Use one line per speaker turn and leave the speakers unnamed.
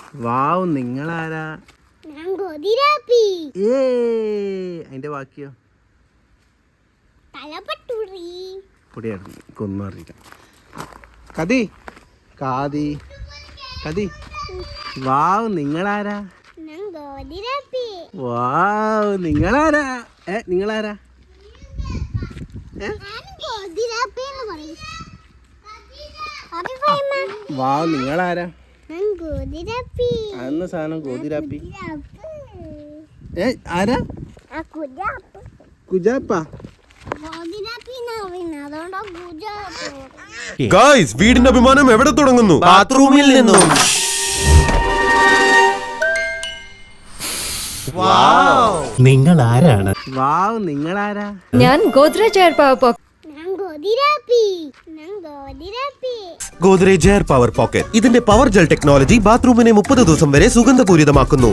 വാവ്, നിങ്ങളാരാ? അതിന്റെ ബാക്കിയോ? പൊടിയാണ് കൊന്നറിയിക്കാം. കതി കാതി കതി. വാവ്, നിങ്ങളാരാ? വാവ്, നിങ്ങളാരാ? നിങ്ങളാരാ? വാവ്, നിങ്ങളാരാ? അന്ന സാധനം ഗോതിരാപ്പി. ആരാ? കുജാപ്പ.
ഗായ്സ്, വീടിന്റെ അഭിമാനം എവിടെ തുടങ്ങുന്നു?
ബാത്റൂമിൽ നിന്നും. നിങ്ങൾ ആരാണ്?
വാവ്, നിങ്ങളാരാ?
ഞാൻ Godrej air power pocket.
Godrej air power pocket. ഇതിന്റെ പവർ ജെൽ ടെക്നോളജി ബാത്റൂമിനെ 30 ദിവസം വരെ സുഗന്ധപൂരിതമാക്കുന്നു.